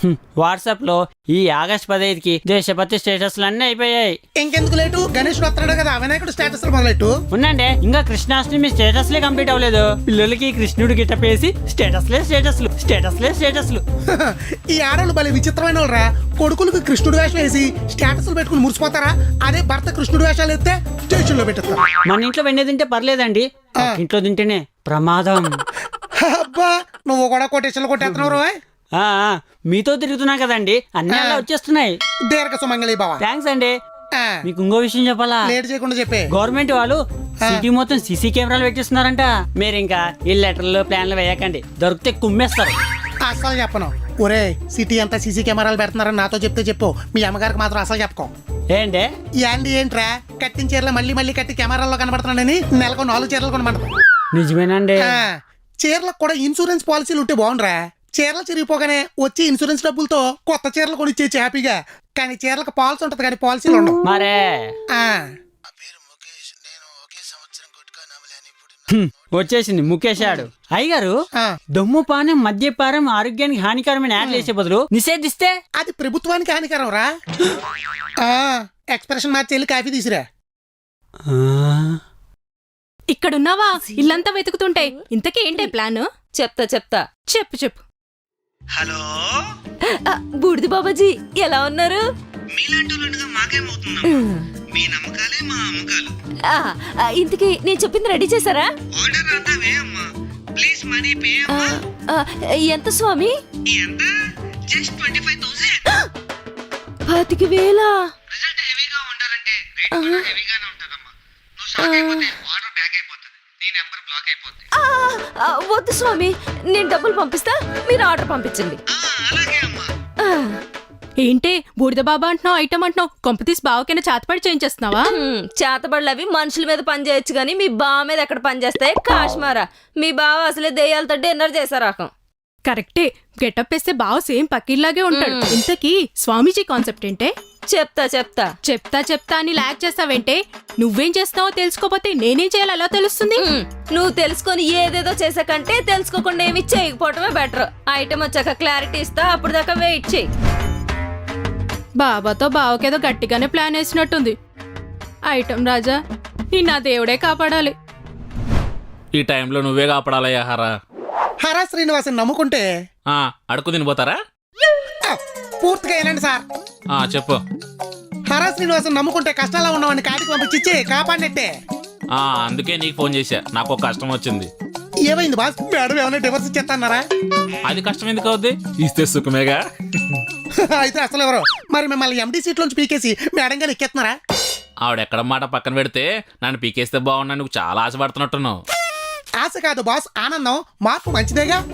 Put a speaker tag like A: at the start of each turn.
A: WhatsApp లో ఈ August 15కి దేశభక్తి స్టేటస్లు అన్నీ అయిపోయాయి.
B: ఇంకెందుకు లేటు? గణేషుడు వస్తాడు కదా, వినాయకుడు స్టేటస్ మొదలెట్టు.
A: ఉండండి, ఇంకా కృష్ణాష్టమి స్టేటస్లే కంప్లీట్ అవ్వలేదు. పిల్లలకి కృష్ణుడు గిట్టప్ వేసి స్టేటస్లే స్టేటస్లు స్టేటస్లే స్టేటస్లు.
B: ఈ ఆడవాళ్ళు భలే విచిత్రమైన వాళ్ళరా. కొడుకులకు కృష్ణుడు వేషం వేసి స్టేటస్లు పెట్టుకుని మురిసిపోతారా? అదే భర్త కృష్ణుడు వేషాలు ఎత్తే స్టేషన్ లో పెట్టేస్తారు.
A: మన ఇంట్లో వెండి తింటే పర్లేదండి, ఇంట్లో తింటేనే ప్రమాదం.
B: అబ్బా, నువ్వు కూడా కొటేషన్లు కొట్టేస్తున్నావు రోయ్.
A: మీతో తిరుగుతున్నా కదండి, అన్ని అలా వచ్చేస్తున్నాయి.
B: దీర్ఘ సుమంగళి బావా.
A: థ్యాంక్స్ అండి. మీకు ఇంకో విషయం చెప్పాలా?
B: లేట్ చేయకుండా చెప్పే.
A: గవర్నమెంట్ వాళ్ళు సిటీ మొత్తం సీసీ కెమెరాలు పెట్టిస్తున్నారంట. మీరు ఇంకా ఈ లెటర్లు ప్లాన్లు వేయకండి, దొరికితే కుమ్మేస్తారు.
B: అసలు చెప్పను. ఒరే, సిటీ అంతా సీసీ కెమెరాలు పెడుతున్నారని నాతో చెప్తే చెప్పు, మీ అమ్మగారికి మాత్రం అసలు చెప్పుకో.
A: ఏంటి
B: ఏంట్రా, కట్టిన చీరలు మళ్ళీ కట్టి కెమెరాల్లో కనబడుతున్నాడని నెలకు 4 చీరలు కొనమంటారు.
A: నిజమేనండి.
B: చీరలకు కూడా ఇన్సూరెన్స్ పాలసీలు ఉంటే బాగుండ్రా. చీరలు చిరిగిపోగానే వచ్చి ఇన్సూరెన్స్ డబ్బులతో కొత్త చీరలు కొనిచ్చేసి హ్యాపీగా. కానీ చీరలకు పాలసీ ఉంటది కానీ పాలసీలు ఉండవు.
A: మరే వచ్చేసింది ముఖేష్ ఆడు. అయ్యగారు, దొమ్ముపానం మద్యపానం ఆరోగ్యానికి హానికరమైన యాడ్లు వేసే బదులు నిషేధిస్తే
B: అది ప్రభుత్వానికి హానికరం రా. ఎక్స్ప్రెషన్ మార్చి వెళ్ళి కాఫీ తీసురా.
C: ఇక్కడున్నావా? ఇల్లంతా వెతుకుతుంటే ఇంతకీ ఏంటే ప్లాన్? చెప్తా చెప్పు.
D: హలో
C: బూడిది బాబాజీ, ఎలా ఉన్నారు?
D: మీలాంటి మాకేమవుతుందా? మీ నమ్మకాలే మా అమ్మకాలు.
C: ఇంతకీ నేను చెప్పింది రెడీ చేశారా?
D: ఆర్డర్ అంతా వేయమ్మా, ప్లీజ్ మనీ పే అమ్మా.
C: ఎంత స్వామి?
D: ఎంత? జస్ట్ 25,000.
C: 25,000?
D: రిజల్ట్ హెవీగా ఉండాలంటే రేట్ కూడా హెవీగానే ఉంటదమ్మా. నువ్వు షాక్ అయిపోతే ఆర్డర్ బ్యాక్ అయిపోతుంది, నీ నెంబర్ బ్లాక్ అయిపోతుంది.
C: వద్దు స్వామి, నేను డబ్బులు పంపిస్తా, మీరు ఆర్డర్ పంపించండి.
D: అలాగే అమ్మా.
C: ఏంటే బూడిద బాబా అంటున్నావు, ఐటమ్ అంటున్నావు, కొంపతీసి బావకైనా చేతపడి చేయించేస్తున్నావా?
E: చేతబడులు అవి మనుషుల మీద పని చేయొచ్చు గానీ మీ బావ మీద ఎక్కడ పని చేస్తాయి? కాశ్మారా, మీ బావ అసలే దెయ్యాలతో డిన్నర్ చేశారాకం.
C: కరెక్టే, గెటప్ వేస్తే బావ సేమ్ పక్కీలాగే ఉంటాడు. ఇంతకీ స్వామీజీ కాన్సెప్ట్ ఏంటే?
E: చెప్తా
C: అని లాగ్ చేస్తావేంటే? నువ్వేం చేస్తావో తెలుసుకోపోతే నేనేం చేయాలో ఎలా తెలుస్తుంది?
E: నువ్వు తెలుసుకొని ఏదేదో చేసే కంటే తెలుసుకోకుండా ఏమి చేయకపోవటమే బెటర్. ఐటమ్ వచ్చాక క్లారిటీ ఇస్తా, అప్పుడు దాకా వెయిట్ చేయి.
C: బాబాతో బావకేదో గట్టిగానే ప్లాన్ వేసినట్టుంది. ఐటమ్ రాజా, ఈ నా దేవుడే కాపాడాలి.
F: ఈ టైంలో నువ్వే కాపాడాలయ్యా హరా.
B: హరా శ్రీనివాసన్ నమ్ముకుంటే
F: అడుగు తినిపోతారా?
B: పూర్తిగా ఏనండి సార్.
F: చెప్పు.
B: హరా శ్రీనివాసన్ నమ్ముకుంటే కష్టాల్లో ఉన్నవాడిని కాటికి పంపించి కాపాడినట్టే.
F: అందుకే నీకు ఫోన్ చేశా, నాకు ఒక కష్టం వచ్చింది.
B: ఏమైంది బాస్? మేడం ఏమైనా డివర్స్ ఇచ్చేస్తాన్నారా?
F: అది కష్టం ఎందుకు అవుద్ది, ఇస్తే సుఖమేగా.
B: అయితే అసలు ఎవరు మరి మిమ్మల్ని ఎండి సీట్ లోంచి పీకేసి మేడం గారు ఎక్కేస్తున్నారా?
F: ఆవిడెక్కడ మాట పక్కన పెడితే నన్ను పీకేస్తే బాగున్నా, నువ్వు చాలా ఆశపడుతున్నట్టున్నావు.
B: ఆశ కాదు బాస్, ఆనందం. మార్పు మంచిదేగా.